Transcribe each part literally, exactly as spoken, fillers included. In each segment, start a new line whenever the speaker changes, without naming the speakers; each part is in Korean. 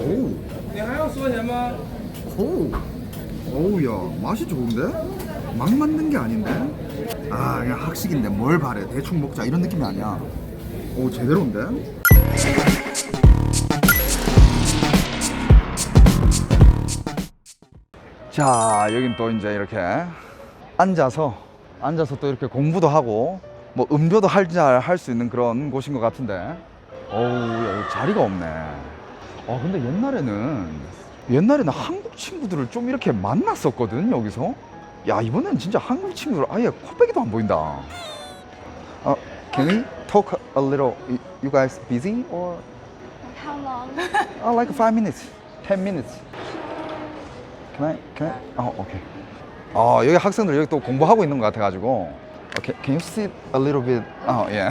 오.
你还要说什么？
오. 어우야, 맛이 좋은데? 막 만든 게 아닌데? 아, 그냥 학식인데 뭘 바래? 대충 먹자 이런 느낌이 아니야. 오, 제대로인데? 자, 여긴 또 이제 이렇게 앉아서 앉아서 또 이렇게 공부도 하고 뭐 음료도 할 수 있는 그런 곳인 것 같은데. 어우, 야, 여기 자리가 없네. 아, 근데 옛날에는 옛날에는 한국 친구들을 좀 이렇게 만났었거든, 여기서. 야, 이번엔 진짜 한국 친구들 아예 코빼기도 안 보인다. 어, can we talk a little? You guys busy or?
How long?
Oh, like five minutes, ten minutes. Can I? Can I? 어, 오케이. 어, 여기 학생들 여기 또 공부하고 있는 것 같아가지고. Okay, can you sit a little bit? Oh, yeah.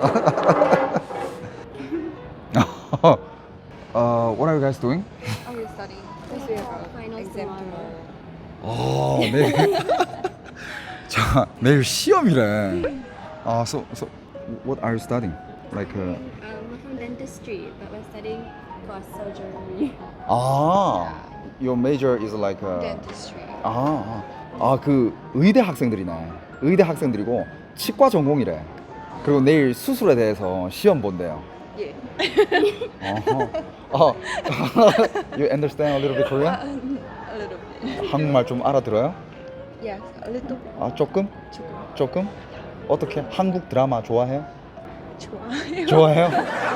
uh, what are you guys doing?
Oh, you're studying. This year,
Final
exam
tomorrow.
tomorrow.
아, 내일. 자, 내일 시험이래. 아, so, so, what are you studying? Like, uh,
Um, we're from dentistry, but we're studying for surgery.
아, your major is like, uh,
Dentistry.
아, 아, 그 의대 학생들이네. 의대 학생들이고 치과 전공이래. 그리고 내일 수술에 대해서 시험 본대요.
Yeah.
어허. 어. You understand a little bit Korean?
A little bit.
한국말 좀 알아들어요?
Yes, a little.
아, 조금?
조금.
조금? 어떻게? 한국 드라마 좋아해요?
좋아요.
좋아해요?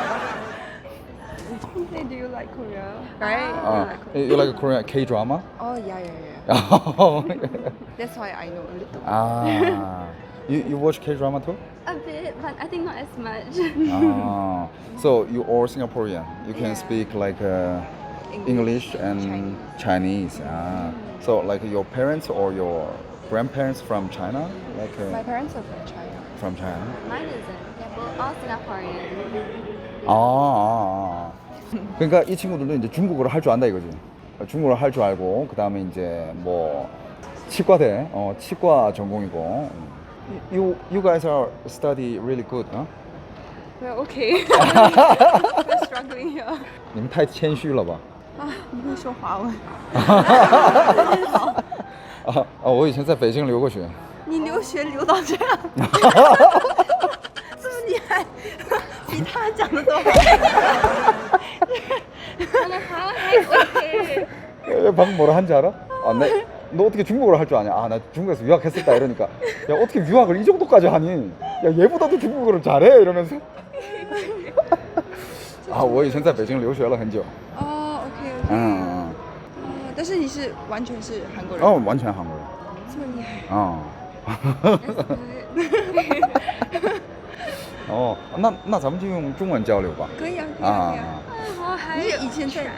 Hey, do you like Korea? Right?
아, you like Korean K-drama?
Oh, yeah, yeah, yeah. That's why I know a little.
아, you, you watch K-drama too?
A bit, but I think not as much.
Ah, so you all Singaporean. You can
Yeah.
speak like uh, English and Chinese. Ah, so like your parents or your grandparents from China, like uh,
My parents are from China.
from China.
Mine isn't. They're both all Singaporean.
아, 아, 아. 그러니까 이 친구들도 이제 중국어를 할 줄 안다 이거지. 중국어를 할 줄 알고 그 다음에 이제 뭐 치과대, 어, 치과 전공이고. You you guys are study really good, huh?
We're okay. We're struggling here.
你们太谦虚了吧？
啊，你会说华文？
啊啊！我以前在北京留过学。
你留学留到这样，是不是你还比他讲的都好？
Okay.
야, 방금 뭐라 한지 알아? 아, 내, 너 어떻게 중국어를 할 줄 아냐? 아, 나 중국에서 유학했었다 이러니까 야, 어떻게 유학을 이 정도까지 하니? 야, 얘보다도 중국어를 잘해 이러면서. 아, 我以前在北京留学了很久。
哦，OK OK。
嗯，
哦，但是你是完全是韩国人，
哦，完全韩国人。
这么厉害。
哦。哦，那那咱们就用中文交流吧。
可以啊，可以啊，可以啊。
我还
你是以前在？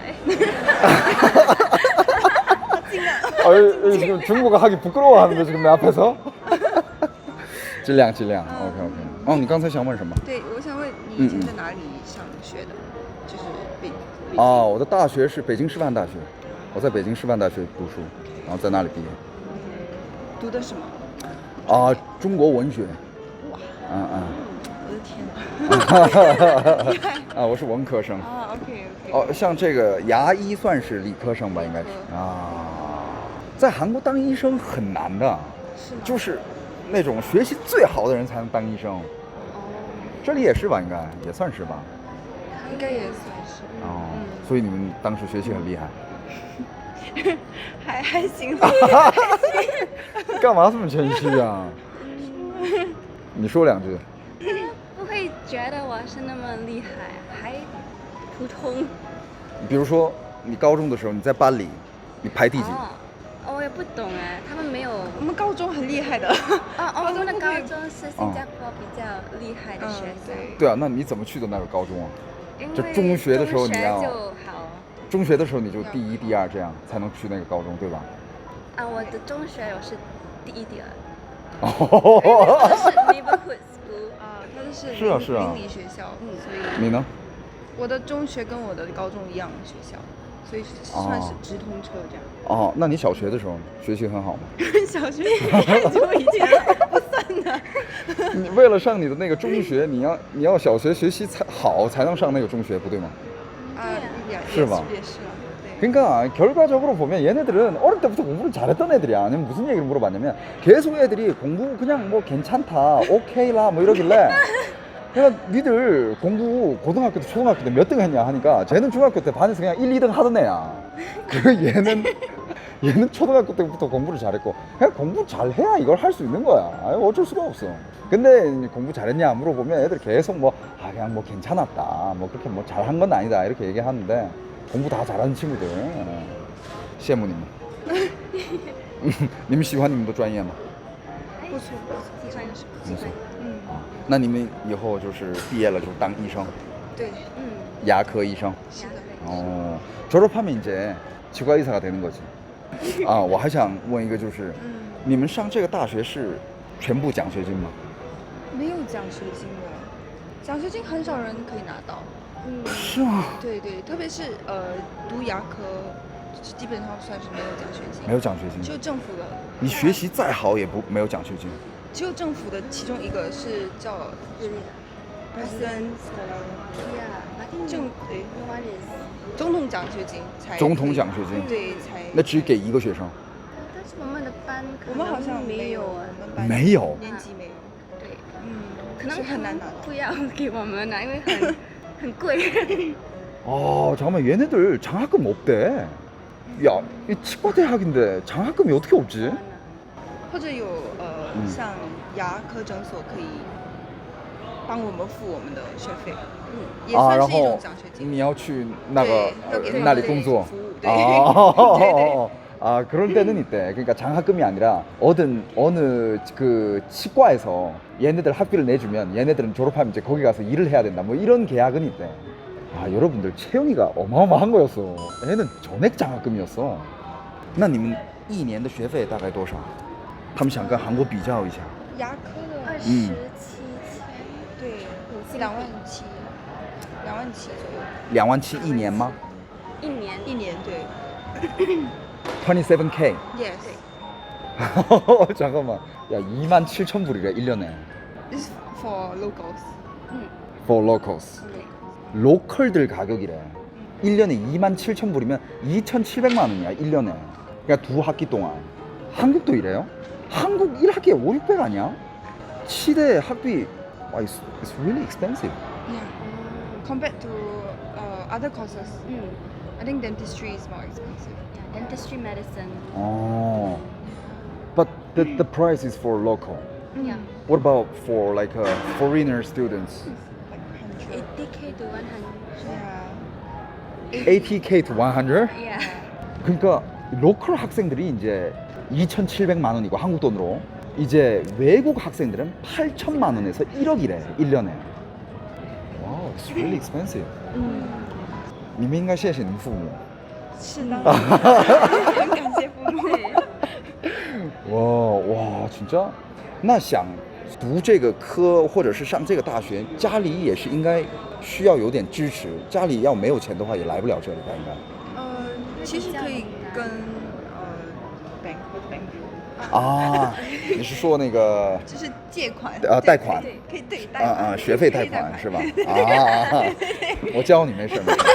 아, 지금 중국어 하기 부끄러워하는데 지금 내 앞에서. 质量质量 OK OK 哦，你刚才想问什么？
对，我想问你以前在哪里上学的？就是北。
啊，我的大学是北京师范大学，我在北京师范大学读书，然后在那里毕业。
读的什么？
啊，中国文学。
哇，
嗯嗯。
我的天哪！
啊，我是文科生。
啊，OK OK。
哦，像这个牙医算是理科生吧，应该是啊。在韩国当医生很难的，
是吗？
就是那种学习最好的人才能当医生。
哦，
这里也是吧，应该也算是吧。
应该也算是。
哦，所以你们当时学习很厉害。
还还行。
干嘛这么谦虚啊？你说两句。
不会觉得我是那么厉害，还普通。
比如说，你高中的时候你在班里，你排第几？
哦，我也不懂哎，他们没有。
我们高中很厉害的。
哦哦，我们的高中是新加坡比较厉害的学生。
对啊，那你怎么去的那个高中啊？
因为
就中学的时候你要。
中学就好。
中学的时候你就第一、第二这样才能去那个高中，对吧？
啊，我的中学我是第一、第二。
哦。
是 neighborhood school
啊，它是
是啊是啊
邻里学校，嗯，所以
你呢？
我的中学跟我的高中一样的学校，所以算是直通车这样。
哦，那你小学的时候学习很好吗？
小学太久以前了，不算的。
你为了上你的那个中学，你要你要小学学习才好才能上那个中学，不对吗？
啊， 也
是吧
也是啊，对。
그러니까 결과적으로 보면 얘네들은 어릴 때부터 공부를 잘했던 애들이야. 아니면 무슨 얘기를 물어봤냐면 계속 애들이 공부 그냥 뭐 괜찮다, 오케이라 뭐 이러길래 그냥 니들 공부 고등학교 때 초등학교 때 몇 등 했냐 하니까 쟤는 중학교 때 반에서 그냥 일, 이 등 하던 애야. 그 얘는 얘는 초등학교 때부터 공부를 잘했고 그냥 공부 잘해야 이걸 할 수 있는 거야. 아유, 어쩔 수가 없어. 근데 공부 잘했냐 물어보면 애들 계속 뭐 아 그냥 뭐 괜찮았다, 뭐 그렇게 뭐 잘한 건 아니다 이렇게 얘기하는데 공부 다 잘하는 친구들. 羡慕你们。你们喜欢你们的专业吗？
不错不错，喜欢喜欢，嗯
那你们以后就是毕业了就当医生，
对，
嗯，
牙科医生。
是的。
어, 졸업하면 이제 치과 의사가 되는 거지. 아, 我还想问一个就是你们上这个大学是全部奖学金吗？
没有奖学金的，奖学金很少人可以拿到。
嗯，
是吗？
对对，特别是呃读牙科，基本上算是没有奖学金，
没有奖学金，
只有政府的，
你学习再好也不没有奖学金。
只有政府的其中一个是叫 president
yeah，I think
政对
one is，
总统奖学金才
总统奖学金，
对才
那只给一个学生。
但是我们的班可
我们好像
能没有
我
啊，
们班
没有
年级没有，
对，
嗯，
可能
是很难拿到。
不要给我们了，因为很很贵。
아 잠깐만 얘네들 장학금 없대. 야, 이 치과 대학인데 장학금이 어떻게 없지?
或者有呃、
嗯
像牙科诊所可以帮我们付我们的学费，嗯，也
啊，然
算是一种
后
奖学金。
你要去那个
对要给他们
那里工作
服务对
아,
对对
아 그럴 때는 있대. 그러니까 장학금이 아니라 어떤 어느 그 치과에서 얘네들 학비를 내주면 얘네들은 졸업하면 이제 거기 가서 일을 해야 된다. 뭐 이런 계약은 있대. 아 여러분들 채영이가 어마어마한 거였어. 얘는 전액 장학금이었어. 那你们一年的学费大概多少？他们想跟韩国比较一下。
牙科的
二十
嗯
七千，
对
新
两万七，两万七左右，
两万七一年吗
一年
一年对
？twenty-seven K
，yes，
잠깐만. 야, 이만 칠천 불이래 일 년에.
this is for locals。
嗯，
For locals.
对，
로컬들 가격이래. 일 년에 이만 칠천 불이면 이천칠백만 원이야, 일 년에. 그러니까 두 학기 동안. 한국도 이래요? 한국 일 학기에 오륙백 아니야? 치대 학비. 와, it's, it's really expensive.
Yeah. Compared to uh, other courses,
嗯
I think dentistry is more expensive.
，yeah, dentistry medicine，
Oh. But the, the price is for local.
yeah,
What about for like uh, foreigner students?
Like hundred.
eighty k to one hundred，
Yeah.
eighty K to one hundred?
yeah，
그러니까 로컬 학생들이 이제 이천칠백만 원이고 한국 돈으로 이제 외국 학생들은 팔천만 원에서 일억이래 일 년에. 와우, it's really expensive.
嗯，
你们应该谢谢你们父母。
是的，很感谢父母。
对，
와, 와, 진짜? 那想读这个科或者是上这个大学，家里也是应该需要有点支持。家里要没有钱的话，也来不了这里吧？应该。
呃，其实可以跟呃 bank 或者 bank，
啊，你是说那个
就是借款
呃贷款
对，可以对贷
啊
款
啊学费贷
可以
款是吧？啊，我教你没事没事。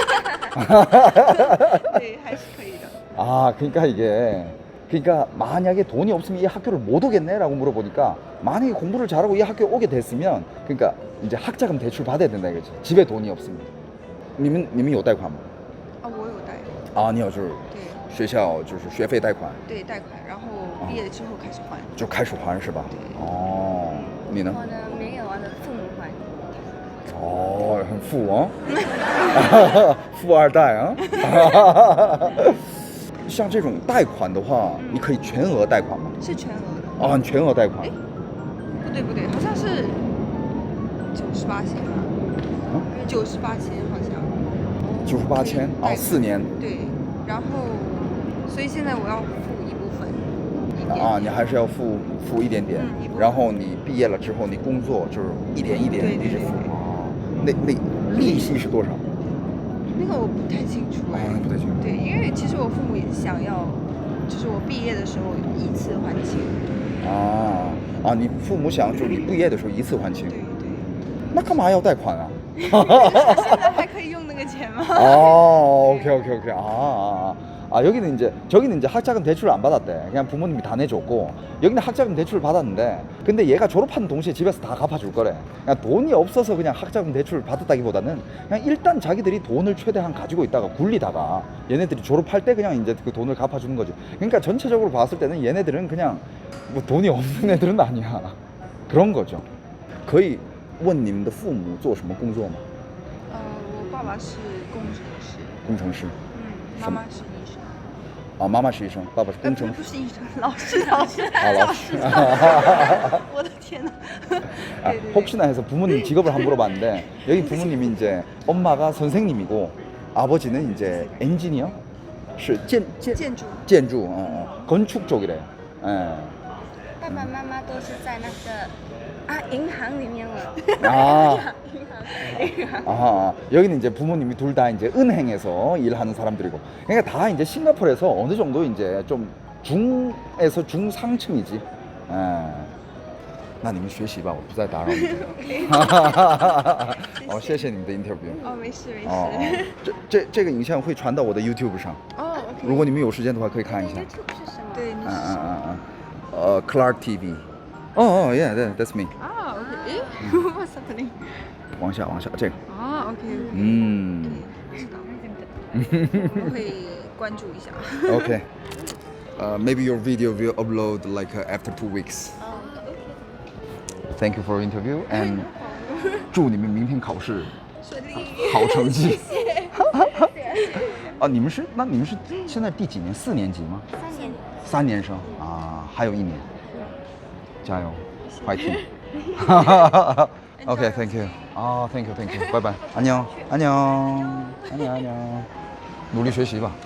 对，还是可以的。
아, 그러니까 이게 그러니까 만약에 돈이 없으면 이 학교를 못 오겠네라고 물어보니까 만약에 공부를 잘하고 이 학교에 오게 됐으면 그러니까 이제 학자금 대출 받아야 된다 이거지. 집에 돈이 없으면. 你们你们有贷款吗？
啊，我有贷，
啊，你有就是
对
学校就是学费贷款
对贷款，然后毕业之后开始还。
就开始还是吧？
对
哦，你呢？
我的没有，我的父母还。
哦，很富哦，富二代啊。像这种贷款的话，你可以全额贷款吗？
是全额的。
啊，你全额贷款
哎。不对不对，好像是九十八千吧，九十八千好像。
九十八千啊，四年
对，然后所以现在我要付一部分，一点
啊，你还是要付付一点点
嗯一部，分
然后你毕业了之后，你工作就是一点一点
对对
一直付
对对。
啊，那那利息是多少？
那个我不太清楚哎、
啊，不太清楚。
对，因为其实我父母也是想要，就是我毕业的时候依次还清。
啊啊，你父母想就是你毕业的时候一次还清
对，对，
那干嘛要贷款啊？
现在还可以用那个钱吗？
아, 오케이, 오케이, 오케이. 아, 아, 아, 여기는 이제, 저기는 이제 학자금 대출을 안 받았대. 그냥 부모님이 다 내줬고, 여기는 학자금 대출을 받았는데, 근데 얘가 졸업하는 동시에 집에서 다 갚아줄 거래. 그냥 돈이 없어서 그냥 학자금 대출을 받았다기보다는, 그냥 일단 자기들이 돈을 최대한 가지고 있다가 굴리다가, 얘네들이 졸업할 때 그냥 이제 그 돈을 갚아주는 거지. 그러니까 전체적으로 봤을 때는 얘네들은 그냥, 뭐 돈이 없는 애들은 아니야. 그런 거죠. 거의, 问你们的父母做什么工作吗？
呃，我爸爸是工程师，
工程师。
嗯，妈妈是医生。
啊，妈妈是医生，爸爸是工程师。
不是医生，老师，老师，
啊，老师。
我的天哪！
아, 혹시나 해서 부모님 직업을 한번 물어봤는데 여기 부모님이 이제 엄마가 선생님이고 아버지는 이제 엔지니어, 是建建
建筑
建筑 어, 어, 건축 쪽이래. 예.
爸爸妈妈都是在那个啊银行里面了。
아,
银行，银行。
아, 여기는 이제 부모님이 둘 다 이제 은행에서 일하는 사람들이고, 그러니까 다 이제 싱가포르에서 어느 정도 이제 좀 중에서 중상층이지. 예. 那你们学习吧，我不再打扰你们。哦，谢谢你们的 interview。
哦，没事没
哦，
事。
这这这个影像会传到我的 YouTube 上，
哦，OK。
如果你们有时间的话，可以看一下。
YouTube 是什么？
对，你
嗯
是
嗯嗯嗯，呃，Clark T V。哦哦，Yeah，that's me。
啊，OK。诶，What's happening？
往下往下，这个。
啊，OK。
嗯
知道。我会关注一下。
，OK。Uh, maybe your video will upload like uh, after two weeks. Thank you for your interview and 祝你们明天考试
顺利。
好成绩。啊，你们是那你们是现在第几年？四年级吗？
三年。
三年生啊，还有一年，加油，快听。OK，Thank you。啊，Thank you，Thank you，拜拜，安녕，安녕，安녕，安녕，努力学习吧。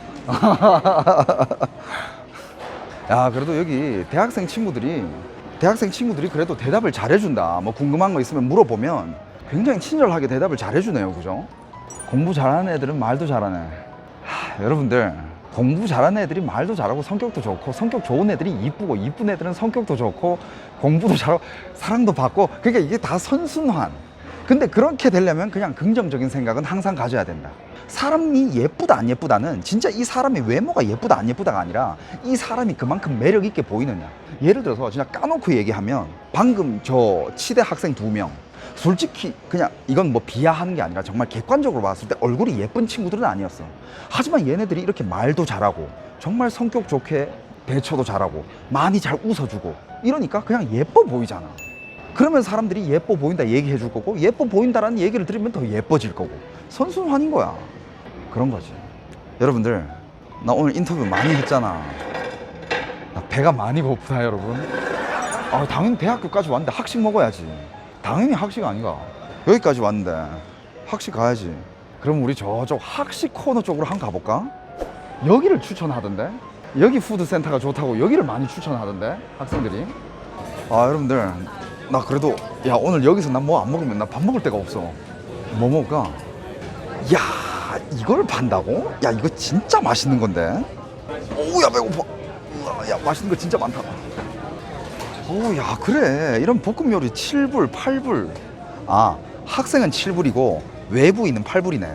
야, 그래도 여기 대학생 친구들이 대학생 친구들이 그래도 대답을 잘해준다. 뭐 궁금한 거 있으면 물어보면 굉장히 친절하게 대답을 잘해주네요, 그죠? 공부 잘하는 애들은 말도 잘하네. 하, 여러분들 공부 잘하는 애들이 말도 잘하고 성격도 좋고, 성격 좋은 애들이 이쁘고, 이쁜 애들은 성격도 좋고 공부도 잘하고 사랑도 받고, 그러니까 이게 다 선순환. 근데 그렇게 되려면 그냥 긍정적인 생각은 항상 가져야 된다. 사람이 예쁘다 안 예쁘다는 진짜 이 사람의 외모가 예쁘다 안 예쁘다가 아니라 이 사람이 그만큼 매력 있게 보이느냐. 예를 들어서 진짜 까놓고 얘기하면 방금 저 치대 학생 두 명 솔직히 그냥 이건 뭐 비하하는 게 아니라 정말 객관적으로 봤을 때 얼굴이 예쁜 친구들은 아니었어. 하지만 얘네들이 이렇게 말도 잘하고 정말 성격 좋게 대처도 잘하고 많이 잘 웃어주고 이러니까 그냥 예뻐 보이잖아. 그러면 사람들이 예뻐 보인다 얘기해 줄 거고, 예뻐 보인다라는 얘기를 들으면 더 예뻐질 거고, 선순환인 거야. 그런 거지. 여러분들, 나 오늘 인터뷰 많이 했잖아. 나 배가 많이 고프다, 여러분. 아, 당연히 대학교까지 왔는데 학식 먹어야지. 당연히 학식 아닌가. 여기까지 왔는데 학식 가야지. 그럼 우리 저쪽 학식 코너 쪽으로 한번 가볼까? 여기를 추천하던데? 여기 푸드센터가 좋다고 여기를 많이 추천하던데, 학생들이. 아, 여러분들, 나 그래도 야 오늘 여기서 난 뭐 안 먹으면 나 밥 먹을 데가 없어. 뭐 먹을까? 야, 이걸 판다고? 야, 이거 진짜 맛있는 건데. 오야 배고파. 우와, 야, 맛있는 거 진짜 많다. 오야, 그래, 이런 볶음 요리 칠 불, 팔 불. 아, 학생은 칠 불이고 외부인은 팔 불이네.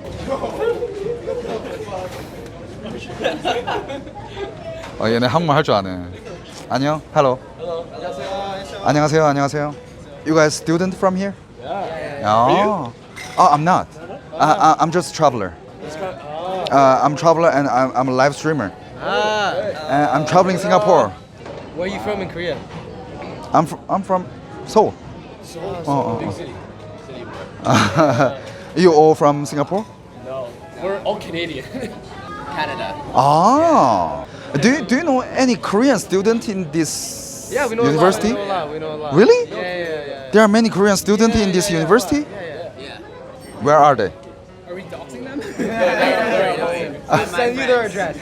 아, 얘네 한국말 할 줄 아네. 안녕, hello. 안녕하세요, 안녕하세요. You guys student from here?
Yeah.
Oh, oh I'm not. I, I, I'm just a traveler. Uh, I'm traveler and I'm, I'm a live streamer.
Ah.
And I'm traveling Singapore.
Where are you from in Korea?
I'm from I'm from Seoul.
Seoul.
oh,
Big
oh.
city. City.
You all from Singapore?
No, we're all Canadian. Canada.
Ah. Do you, do you know any Korean student in this
Yeah, we know
university?
a lot. We know a lot. We know a lot.
Really?
Yeah, yeah, yeah. yeah.
There are many Korean students
Yeah,
in this
yeah, yeah,
university?
Yeah, yeah, yeah.
Where are they?
Are we doxing them? I'll send you their address.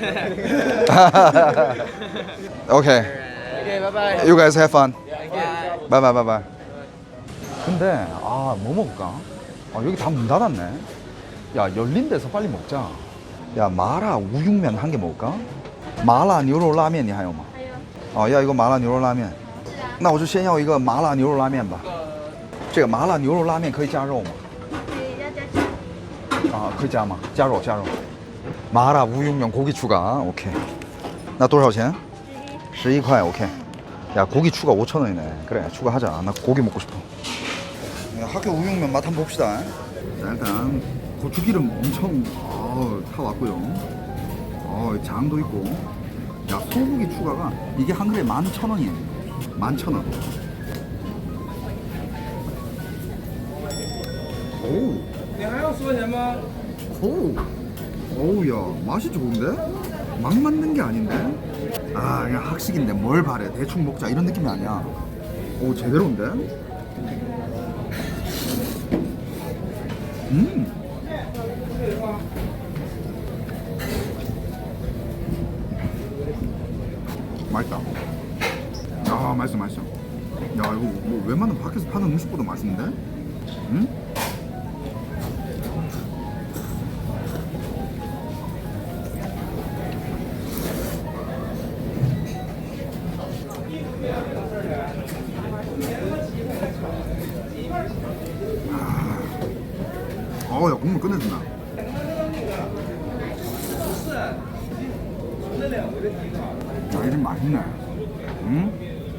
Okay.
Okay, bye bye.
You guys have fun.
Bye.
Bye bye bye bye. 근데 아, 뭐 먹을까? 아, 여기 다 문 닫았네. 야, 열린 데서 빨리 먹자. 야, 마라 우육면 한 개 먹을까? 마라牛肉拉面你还有吗？哦，要一个麻辣牛肉拉面。那我就先要一个麻辣牛肉拉面吧。这个麻辣牛肉拉面可以加肉吗？
可以
啊，可以加吗？加肉，加肉。麻辣无육면 고기 추가. 오케이. 나多少钱？十一块. 오케이. 야, 고기 추가 오천 원이네. 그래, 추가하자. 나 고기 먹고 싶어. 야, 학교 우육면 맛 한번 봅시다. 자, 일단 고추기름 엄청 어, 타 왔고요. 어, 장도 있고. 야, 소고기 추가가 이게 한 그릇에 만 천 원이에요. 만 천 원. 오.
你还要说什么？
오. 오우, 야, 맛이 좋은데? 막 만든 게 아닌데? 아, 그냥 학식인데 뭘 바래. 대충 먹자 이런 느낌이 아니야. 오, 제대로인데? 음. 맛있다. 야, 맛있어, 맛있어. 야, 이거 뭐 웬만한 밖에서 파는 음식보다 맛있는데? 응? 어, 야, 국물 끝내준다. 야, 이집 맛있네. 응?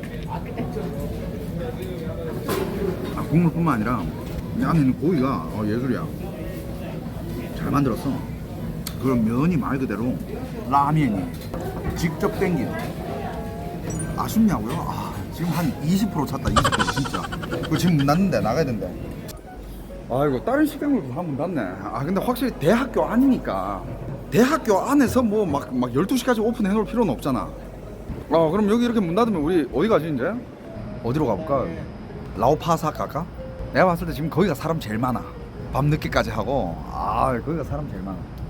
아, 국물뿐만 아니라 이 안에 있는 고기가 어, 예술이야. 잘 만들었어. 그럼 면이 말 그대로 라면이 직접 땡긴. 아쉽냐고요? 아, 지금 한 이십 퍼센트 찼다. 이십 퍼센트 진짜. 그거 지금 문 닫는데 나가야 된대. 아이고, 다른 식당으로도 한문 닫네. 아, 근데 확실히 대학교 안이니까 대학교 안에서 뭐 막 막 열두 시까지 오픈해 놓을 필요는 없잖아. 어, 그럼 여기 이렇게 문 닫으면 우리 어디 가지 이제? 어디로 가볼까? 라오파사 갈까? 내가 봤을 때 지금 거기가 사람 제일 많아. 밤 늦게까지 하고. 아, 거기가 사람 제일 많아.